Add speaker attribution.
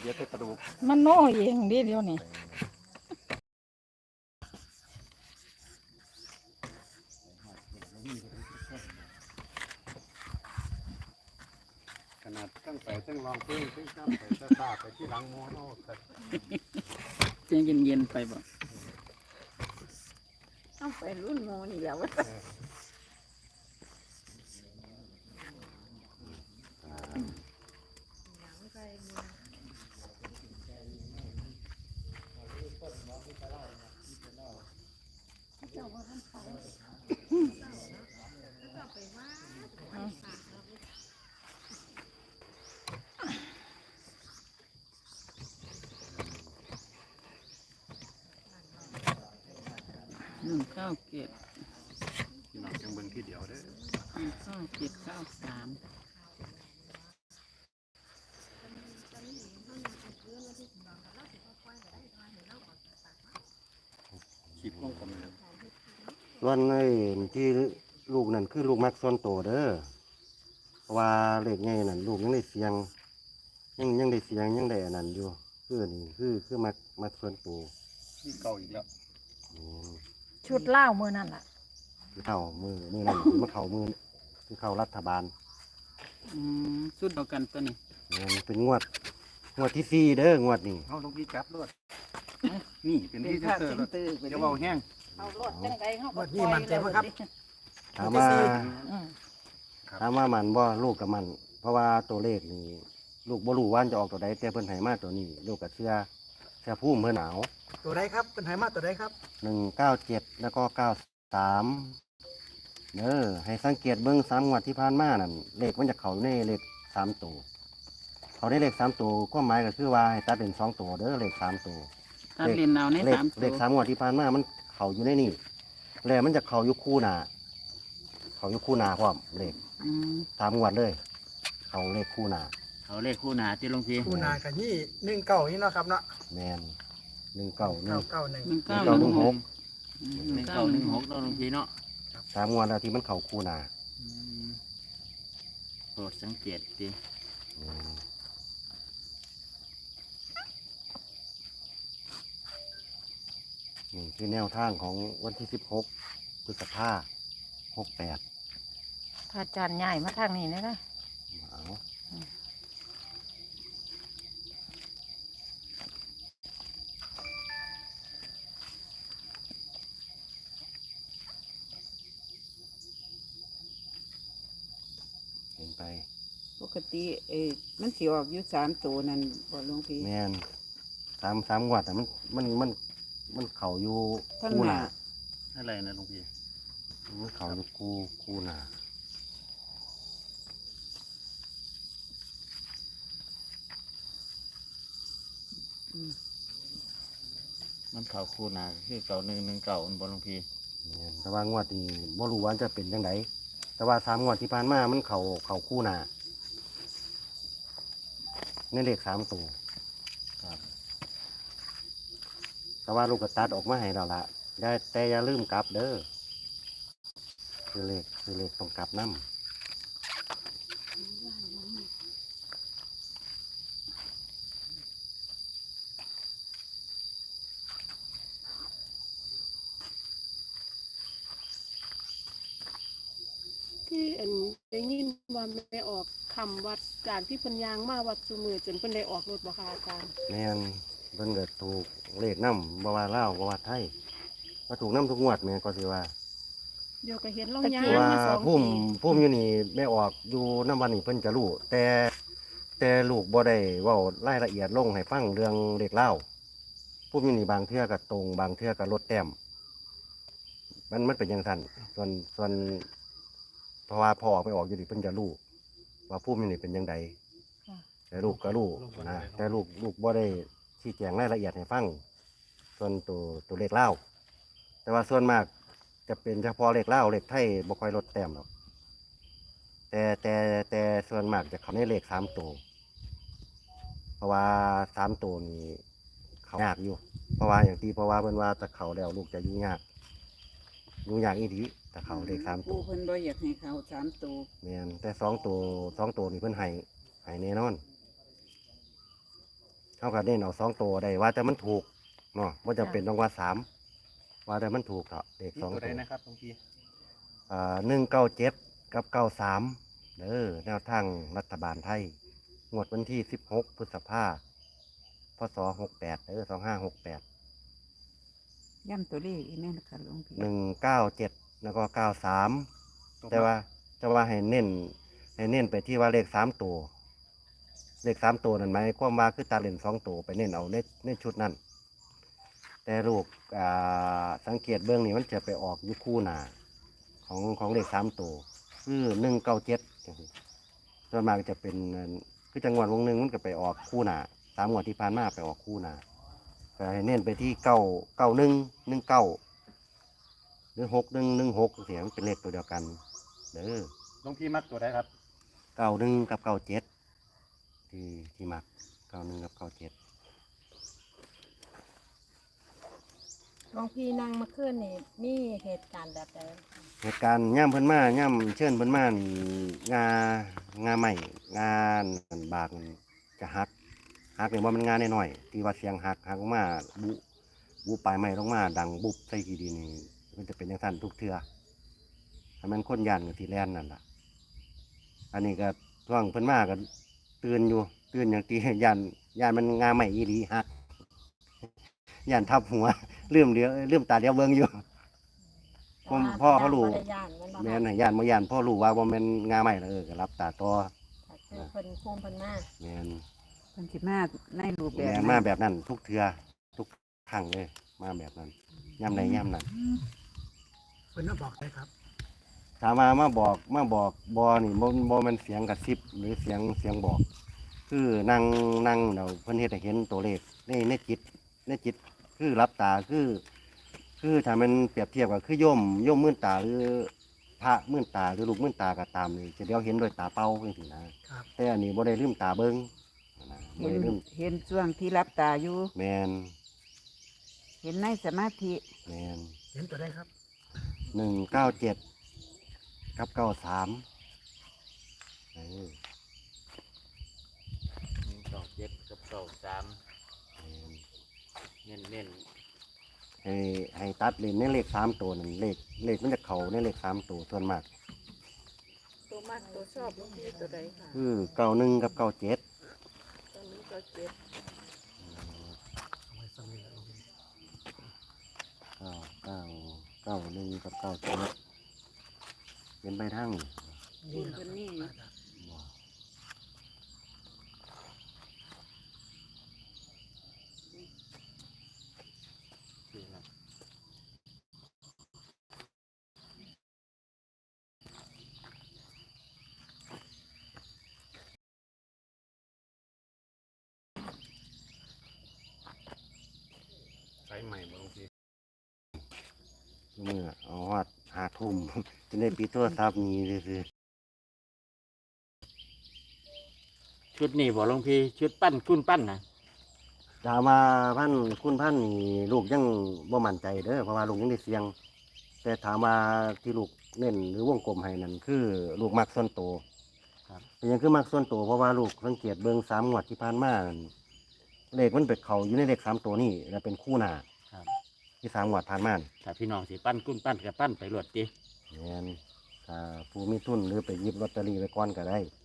Speaker 1: เดี๋ยวแต่กระดูก
Speaker 2: มันโน่เองดิเดี๋ยวนี้
Speaker 1: ขนาดตั้งไปตั้งลองเพลงตั้งตั้งไปตั้งตาไปที่หลังโมโนแต่
Speaker 3: เย็นเย็นไปบ่
Speaker 2: ต้องไปรุ่นโมนี่แล้ว
Speaker 3: 197
Speaker 1: พี่น้องจังเบิ่งที่เดียวเด้อ
Speaker 3: 19793
Speaker 1: ขีดวงกลมเลย
Speaker 4: ส่วนไอ้ที่ลูกนั่นคือลูกมักส่วนโตเด้อเพราะว่าเลขใหญ่นั่นลูกยังได้เสียงยังได้เสียงยังได้อันนั้นอยู่คือนี่คือมักส่วนโต
Speaker 1: นี่เก่าอีกแล้ว
Speaker 4: อืม
Speaker 2: ชุดเล่ามือนั่นแหละ
Speaker 4: คือเข้ามือนั่นมันเข้ามือคือเข้ารัฐบาล
Speaker 3: สุดเดียวกันตัวนี้
Speaker 4: มันเป็นงวดที่4เด้องวดนี้
Speaker 1: เอาลงพี่จับรวดนี่เป็นที่เซอร์รถเดี๋ยวเบาแห้ง
Speaker 2: เอารถจังไดเขาก็
Speaker 5: นี่มันใจมั้ยครับ
Speaker 4: ถามว่า
Speaker 2: อืม
Speaker 4: ถามว่ามันบ่ลูกกับมัน เพราะว่าตัวเลขนี่ลูกบ่รู้ว่าจะออกตัวใดแต่เพิ่นให้มาตัวนี้ ลูกก็เชื่อภูมิเพิ่นหนาว
Speaker 5: ตัวใดครับเป็นไหมาตัวใดครับ
Speaker 4: 197แล้วก็93ให้สังเกตเบิ่ง3งวดที่ผ่านมานั่นเลขมันจะเข้าอยู่ในเลข3ตัวเขาได้เลข3ตัวความหมายก็คือว่าให้ตัดเป็น2ตัวเด้อเลข3ตัว
Speaker 3: ตัดเรียนเอาใน
Speaker 4: เลข
Speaker 3: 3ตัว
Speaker 4: เลข3งวดที่ผ่านมามันเข้าอยู่ในนี่แล้วมันจะเข้าอยู่คู่หน้าเข้าอยู่คู่หน้าพร้อมเลข
Speaker 3: อืม
Speaker 4: 3งวดเลยเข้าเลขคู่หน้า
Speaker 3: เขาเลขคู่หนาที่หลวงพี่
Speaker 5: คู่นากับยี่19นี่เนาะครับเนาะ
Speaker 4: แม่น191
Speaker 5: 991
Speaker 3: 1916
Speaker 4: 1916
Speaker 3: 1916ตัวหลวงพี่เนาะ
Speaker 4: 3งวดแล้วที่มันเข้าคู่หน้า
Speaker 3: โปรดสังเกตดิ
Speaker 4: อืมนี่คือแนวทางของวันที่16พฤษภาคม68
Speaker 2: ถ้าจานใหญ่มาทางนี้นะ
Speaker 4: เอาเห็นไป
Speaker 6: ปกติมันสิออกอยู่3ตัวนั่นบ่หลวงพี่
Speaker 4: แม่นสามงวัดอ่ะมันเข่าอยู่
Speaker 6: ทั้ง
Speaker 4: คู่
Speaker 6: ห
Speaker 4: ห
Speaker 6: น้า
Speaker 4: นา
Speaker 1: อะไรนะหลวงพี่
Speaker 4: มันเข่าอยู่คู่หนา
Speaker 3: มันเขาคู่หนาคือ9119มันบ่หลวงพี่
Speaker 4: แม่นแต่ว่างวดนี้บ่รู้ว่าจะเป็นยังไงแต่ว่า3งวดที่ผ่านมามันเข่าคู่หนาในเลข3ตัวครับแต่ว่าลูกกระตัดออกมาให้เราละได้แต่อย่าลืมกลับเด้อคือเลขต้องกลับน้ำ
Speaker 7: ที่อันได้ยินว่าไม่ออกคำวัดจากที่เพิ่นยางมาวัดสุมือจนเพิ่นได้ออกรถบ่คะอาจารย์
Speaker 4: แม่นเพิ่นก็ถูกเลขน้ำบ่ว่าลาวบ่ว่าไทยก็ถูกน้ำทุกงวดแม่นก็สิว่า
Speaker 7: เดี๋ยวก็เห็นเรา
Speaker 2: ตะ
Speaker 7: ยา
Speaker 2: กี้
Speaker 7: ง
Speaker 4: ว่า
Speaker 7: มา2
Speaker 4: พุ่ม
Speaker 7: ปี
Speaker 4: พุ่มอยู่นี่แม่ออกอยู่น้ำวันนี้เพิ่นจะรู้แต่ลูกบ่ได้เว้ารายละเอียดลงให้ฟังเรื่องเลขเล่าวพุ่มอยู่นี่บางเทื่อก็ตรงบางเทื่อก็ลดแต้มมันเป็นอย่างนั้นส่วนเพราะว่าพอออกไปออกอยู่นี่เพิ่นจะรู้ว่าพุ่มอยู่นี่เป็นยังไงแต่ลูกก็รู้นะแต่ลูกบ่ได้ชี้แจงรายละเอียดให้ฟังส่วนตัวเลขเล่าวแต่ว่าส่วนมาก จะเป็นเฉพาะเลขเล่าวเลขไทยบ่ค่อยลดแต้มหรอกแต่ส่วนมากจะเขาในเลข3ตัวเพราะว่า3ตัวนี้เขายากอยู่ เพราะว่าอย่างที่เพราะว่าเพิ่นว่าถ้าเขาแล้วลูกจะยุ่งยากอีดีถ้าเขาเลข3ตั
Speaker 6: ผู้
Speaker 4: ว
Speaker 6: เพิ่นบ่อยากให้เขา3ตัว
Speaker 4: แม่นแต่2ตัวนี่เพิ่นให้แน่นอนเขาก็เน้นเอา2ตัวได้ว่าแต่มันถูกเนาะว่าจะเป็นต้องว่า3ว่าแต่มันถูกเถอะเด็ก
Speaker 1: มี
Speaker 4: 2
Speaker 1: ตัว
Speaker 4: ตั
Speaker 1: ใด
Speaker 4: ว
Speaker 1: นะครับหลวงพี่
Speaker 4: 197กับ93แนวทางรัฐบาลไทยงวดวันที่16พฤษภาคมพศ682568
Speaker 6: ย่ำตัวเลขอีกแม่นะคะหลวงพี่
Speaker 4: 197แล้วก็93แต่ว่าให้เน้นไปที่ว่าเลข3ตัวเลข3ตัวนั่นหมายความว่าคือตาเล่น2ตัวไปเน้นเอาในชุดนั้น แต่ลูกสังเกตเบื้องนี้มันจะไปออกอยู่คู่หน้าของเลข3ตัวคือ197จังซี่ส่วนมากจะเป็นคือจังหวัดวงหนึ่งมันก็ไปออกคู่หน้า3งวดที่ผ่านมาไปออกคู่หน้าก็ให้เน้นไปที่99119หรือ6116เสียงเป็นเลขตัวเดียวกันเด้อ
Speaker 1: หลวงพี่มักตัวใดครับ
Speaker 4: 91กับ97ที่มัก91กับ97
Speaker 2: หลวงพี่นั่งมาขึ้นนี่มีเหตุการณ์แบบใด
Speaker 4: เหตุการณ์ย่ำเพิ่นมาย่ำเชิญเพิ่นมานี่งาใหม่งานบากมันจะหักนี่ว่ามันงานน้อยๆที่ว่าเสียงหักลงมาบุปลายไม้ลงมาดังบุบใส่กี่ดีนี่มันจะเป็นอย่างนั้นทุกเทื่อถ้ามันคนยันกับที่แลนนั่นล่ะอันนี้ก็ช่วงเพิ่นมาก็ตื่นอย่างตียันมันงาใหม่อีหลีหักยันทับหัวลืมตาเลี้ยวเบิ่งอยู่ พ่อเขารู้ แม่นให้ย่านบ่ย่านพ่อรู้ว่าบ่แม่นงาใหม่แล้วก็รับตาต่อ
Speaker 2: คือเพิ่นภูมิเพิ่นมา
Speaker 4: แม่น
Speaker 6: เพิ่นสิมาในรูปแบบ
Speaker 4: แม่น
Speaker 6: นั้น
Speaker 4: มาแบบนั้นทุกเทื่อทุกครั้งเลยมาแบบนั้นย่ำใดย่ำนั้น
Speaker 5: เพิ่นมาบอกได้ครับ
Speaker 4: ถามว่ามาบอกบ่นี่บ่แม่นเสียงกระซิบหรือเสียงบอก คือนั่งเดี๋ยวเพิ่นเฮ็ดให้เห็นตัวเลขในจิตคือรับตาคือถ้ามันเปรียบเทียบกับคือโยมมื่นตาหรือพระมื่นตาหรือลูกมื่นตาก็ตามนี่จะเดียวเห็นด้วยตาเปล่าจังซี่นะครับ แต่อันนี้บ่ได้ลืมตาเบิ่งนะบ่
Speaker 6: เห็น
Speaker 4: ได้ลืม
Speaker 6: เห็นช่วงที่รับตาอยู่
Speaker 4: แม่น
Speaker 6: เห็นในสมาธิ
Speaker 4: แม่น
Speaker 5: เห็นตัวได้ครับ
Speaker 4: 197กับ93เออ
Speaker 3: 197กับ93เน้น
Speaker 4: ให้ตัดเลนในเลข3ตัวนั่นเลขมันจะเข้าในเลข3ตัวส่วนมาก
Speaker 7: ตัวมากตัวชอบหลวงพี่ตัวใดค่ะ
Speaker 4: คือ91กับ97
Speaker 7: ตอนนี้ก็เจ็ด
Speaker 5: เอาไว้สั่งนี่แหละ
Speaker 4: 91กับ97เป็นไปทั้ง
Speaker 6: บุญเพิ่นนี่
Speaker 4: บ่
Speaker 3: คือนะ
Speaker 1: ใช้ใหม่บ่หลวงพี่
Speaker 4: เมื่อเอาฮอด5 ทุ่ม จะได้ปิดโทรศัพท์นี้ซื่อ
Speaker 3: ชุดนี้บ่หลวงพี่ชุดปั้นกุ้นปั้นนะ
Speaker 4: ๆถามว่าคุณพันนี่ลูกยังบ่มั่นใจเด้อเพราะว่าลูกยังได้เสียง แต่ถามว่าที่ลูกเน้นหรือวงกลมให้นั่นคือลูกมักส่วนโตว
Speaker 3: ครับ
Speaker 4: เป็นหยังคือมักส่วนโตวเพราะว่าลูกสังเกตเบิ่ง3งวดที่ผ่านมานั่นเลขมันไปเข้าอยู่ในเลข3ตัวนี้แล้วเป็นคู่หน้า
Speaker 3: ครับ
Speaker 4: ที่3งวดผ่านมานี่
Speaker 3: ถ้าพี่น้องสิปั้นกุ้นปั้นก็ปั้นไปรวดติ
Speaker 4: แม่นถ้าผู้มีทุนหรือไปหยิบลอตเตอรี่ไว้ก่อนก็ได้